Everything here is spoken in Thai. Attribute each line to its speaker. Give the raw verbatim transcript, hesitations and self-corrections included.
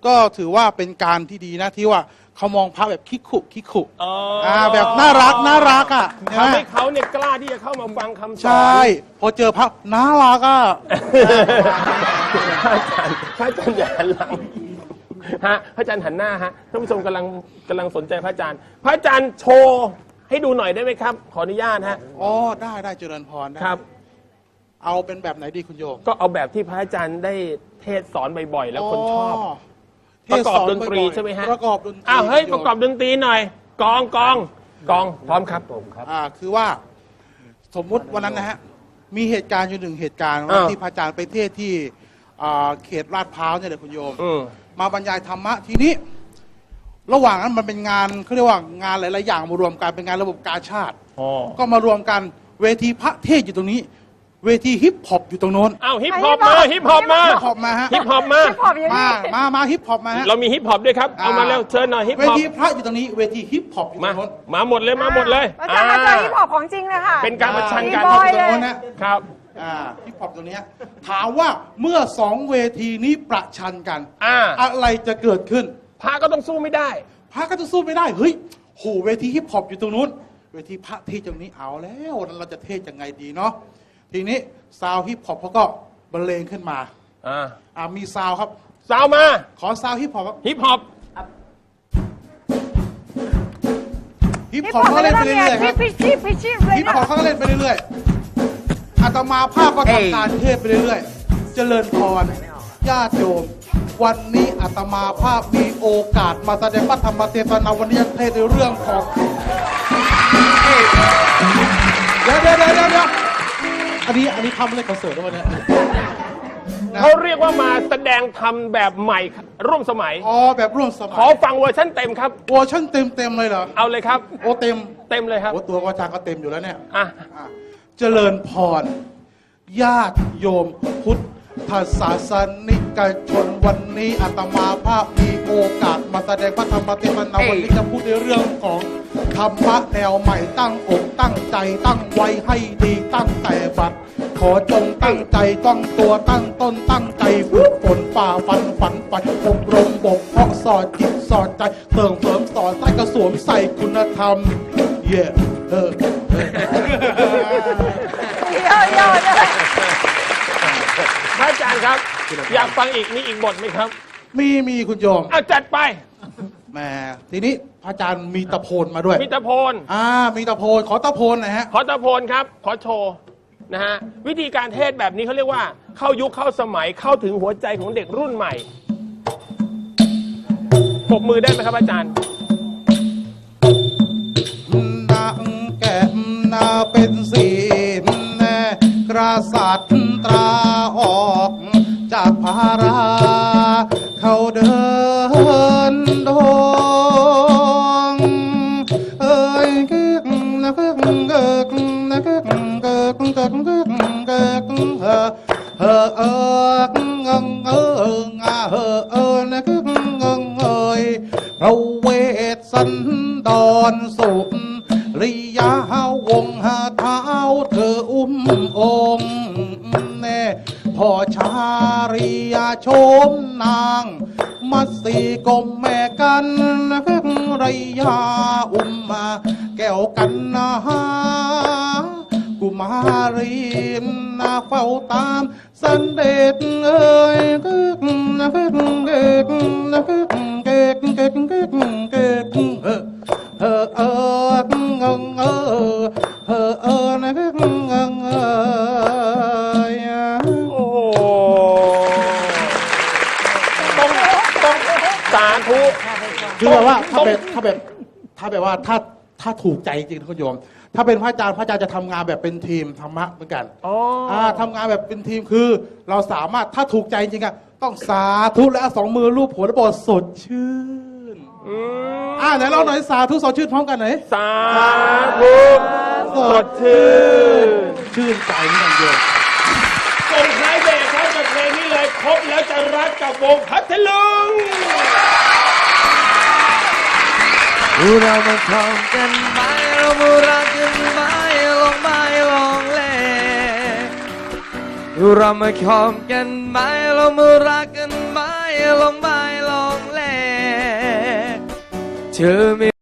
Speaker 1: ก็ถือว่าเป็นการที่ดีนะที่ว่าเขามองพระแบบคิกขุคิกขุ
Speaker 2: อ๋อ
Speaker 1: อ่าแบบน่ารักน่ารักอ่ะ
Speaker 2: ทำให้เขาเนี่ยกล้าที่จะเข้ามาฟังคำสอน
Speaker 1: ใช่พอเจอพระน่ารักอ่ะ
Speaker 2: พระอาจารย์พระอาจารย์อย่าหันหลังฮะพระอาจารย์หันหน้าฮะท่านผู้ชมกำลังกำลังสนใจพระอาจารย์ พระอาจารย์โชว์ให้ดูหน่อยได้ไหมครับ ขออนุญาตฮะ
Speaker 1: อ๋อได้ได้เจริญพรได้
Speaker 2: ครับ
Speaker 1: เอาเป็นแบบไหนดีคุณโยม
Speaker 2: ก็เอาแบบที่พระอาจารย์ได้เทศสอนบ่อยๆแล้วคนชอบ
Speaker 1: เท
Speaker 2: ประ
Speaker 1: ศ
Speaker 2: กอบ
Speaker 1: ส
Speaker 2: ดนตรี
Speaker 1: บ่อยๆ
Speaker 2: ใช่ไหมฮะ
Speaker 1: ประกอบดนตรี
Speaker 2: อ้าวเฮ้ย
Speaker 1: คุณ
Speaker 2: ป
Speaker 1: โม
Speaker 2: ระกอบดนตรีหน่อย กองกองกองพร้อมครับผมครับ
Speaker 1: อ่าคือว่าสมมุติวันนั้นนะฮะมีเหตุการณ์อยู่หนึ่งเหตุการณ์วัน
Speaker 2: อ่า
Speaker 1: ที่พระอาจารย์ไปเทศที่อ่าเขตลาดพร้าวเนี่ยแหละคุณโยม
Speaker 2: อืม
Speaker 1: มาบรรยายธรรมะทีนี้ ระหว่างนั้นมันเป็นงานเขาเรียกว่างานหลายๆอย่างมารวมกันเป็นงานระบบกาชาติ
Speaker 2: อ๋อ
Speaker 1: ก็มารวมกันเวทีพระเทศอยู่ตรงนี้ เวทีฮิปฮอปอยู่ตรงโน้น
Speaker 2: อ้าวฮิปฮอปมาฮิปฮอปมา
Speaker 1: ฮิปฮอปมาฮะ
Speaker 2: ฮิปฮอปมา
Speaker 3: ฮิปฮอปอยู่
Speaker 1: มา
Speaker 3: นี่
Speaker 1: มามาฮิปฮอปมาฮะ
Speaker 2: เรามีฮิปฮอปด้วยครับ เอามาเร็วเชิญหน่อยฮิป
Speaker 1: เว
Speaker 2: ฮอป
Speaker 1: ทีพระอยู่ตรงนี้ เวทีฮิปฮอปอยู่ตร
Speaker 2: มา
Speaker 1: งโน้น
Speaker 2: มาหมดเลยมาหมดเลย
Speaker 3: อาจารย์มาเจอฮิปฮอปของจริงเลยค่ะ
Speaker 2: เป็นการประชันกัน
Speaker 3: อ่า
Speaker 1: ฮิปฮอปอยู่ตรงโน้นนะครับ อ่าฮิปฮอปตรงเนี้ยถามว่าเมื่อสองเวทีนี้ประชันกัน
Speaker 2: อ่า
Speaker 1: อะไรจะเกิดขึ้น
Speaker 2: พระก็ต้องสู้ไม่ได้
Speaker 1: พระก็จะสู้ไม่ได้ เฮ้ยโหเวทีฮิปฮอปอยู่ตรงนู้น เวทีพระเทศตรงนี้เอาแล้ววันนั้นเราจะเทศยังไงดีเนาะ ทีนี้ซาวฮิปฮอปเขาก็บรรเลงขึ้นมา
Speaker 2: อ่า
Speaker 1: อ่ามีซาวครับ
Speaker 2: สาวมา
Speaker 1: ขอซาวฮิปฮอปครับ
Speaker 2: ฮิปฮอป
Speaker 1: ฮิป
Speaker 3: ฮิป
Speaker 1: ฮอป
Speaker 3: ฮอป
Speaker 1: เขา
Speaker 3: ไม่
Speaker 1: เล่น
Speaker 3: ได้
Speaker 1: ไป
Speaker 3: เนี่
Speaker 1: เรื่
Speaker 3: ย
Speaker 1: อยๆค
Speaker 3: พิ
Speaker 1: รับ
Speaker 3: พิชิพิชิเลย
Speaker 1: ฮิป
Speaker 3: นะ
Speaker 1: ฮอปเขาก็เล่นไปเรื่อยๆอาตมาภาพก็ทำการเทศไปเรื่อยๆ เจริญพรญาติโยม วันนี้อาตมาภาพมีโอกาสมาแสดงพระธรรมเทศนาวันนี้จะเทศในเรื่องของเดี๋ยวเดี๋ยวเดี๋ยวเดี๋ยวอันนี้อันนี้ทำอะไรคอนเสิร์ตแล้ววันนี้นะ
Speaker 2: เขาเรียกว่ามาแสดงธรรมแบบใหม่ร่วมสมัย
Speaker 1: อ๋อแบบร่วมสมั
Speaker 2: ขอย ฟังเวอร์ชันเต็มครับ
Speaker 1: เวอร์ชันเต็มเต็มๆเลยเหรอ
Speaker 2: เอาเลยครับ
Speaker 1: โอ้เต็ม
Speaker 2: เต็มเลยครับ
Speaker 1: โอ้ตัวก็จางก็เต็มอยู่แล้วเนี่ย
Speaker 2: อ่ะ
Speaker 1: อ่ะเจริญพร ญาติโยมพุทธศาสนิกชนวันนี้อาตมาภาพมีโอกาสมาแสดงพระธรรมเทศนาวันนี้จะพูดในเรื่องของธรรมะแนวใหม่ตั้งอกตั้งใจตั้งไว้ให้ดีตั้งแต่บัดขอจงตั้งใจต้องตัวตั้งต้นตั้งใจฝึกฝนฝ่าฟันฝันฝันอบรมบ่มเพาะสอดจิตสอดใจเติมเสริมสอนใส่กระสวมใส่คุณธรรมเย่เออ
Speaker 3: เยอะเยอะเลย
Speaker 2: พระอาจารย์ครับ อยากฟังอีกมีอีกบทไหมครับ
Speaker 1: มีมีคุณโยม
Speaker 2: อ่ะจัดไป
Speaker 1: แหมทีนี้พระอาจารย์มีตะโพนมาด้วย
Speaker 2: มิตรโพล
Speaker 1: อ่ามีตะโพนขอตะโพนหนะฮะ
Speaker 2: ขอตะโพนครับ ขอโชว์นะฮะวิธีการเทศแบบนี้เขาเรียกว่า เข้ายุคเข้าสมัยเข้าถึงหัวใจของเด็กรุ่นใหม่ปรบมือได้ไหมครับอาจารย์
Speaker 1: นางแก้มนาเป็นศีลแน่กษัตริย์ตราออกจากภารา เขาเดินดงเอ้ยกึกนะกึกกึกนะกึกกึกกึกกึกกึกเออเออเอองงเอองาเออเออนะกึกงงเอ้ยพระเวสสันดรสุริยาวงศ์เท้าเธออุ้มองค์แน่พ่อชาริยาโชมนางมัตสีกลมแม่กันนะกึกไรยาอุ้มมาแก้วกันนะกุมารีนาเฝ้าตามสันเด็จเอ้ยกึกนะกึกกึกนะกึกกึกกึกกึกกึกเออเออเอองงเออเออเออนะกึกงงเออ
Speaker 2: โอ้โหต้องต้องสาธุ
Speaker 1: คือแบบว่าถ้า
Speaker 2: ต้อง
Speaker 1: แบบถ้าแบบถ้าแบบว่าถ้าถ้าถูกใจจริงๆคุณโยม ถ้าเป็นพระอาจารย์พระอาจารย์จะทำงานแบบเป็นทีมธรรมะเหมือนกัน
Speaker 2: อ๋ออ่
Speaker 1: าทำงานแบบเป็นทีมคือ เราสามารถถ้าถูกใจจริงๆอะต้องสาธุและสองมือรูปหัวแล้วบอกสดชื่น
Speaker 2: อืม
Speaker 1: อ่าไหนเราหน่อยสาธุสดชื่นพร้อมกันหน่อย
Speaker 2: สาธุสดชื่น
Speaker 1: ชื่นใจนี่กันโยม
Speaker 2: ส่งท้ายเบรกครับกับเพลงนี้เลยครบแล้วจะรักกับวงพัทลุง
Speaker 4: เรามาคองกันไหมเรามารักกันไหมลองไม่ลองเล่เรามาคองกันไหมเรามารักกันไหมลองไม่ลองเธอไม่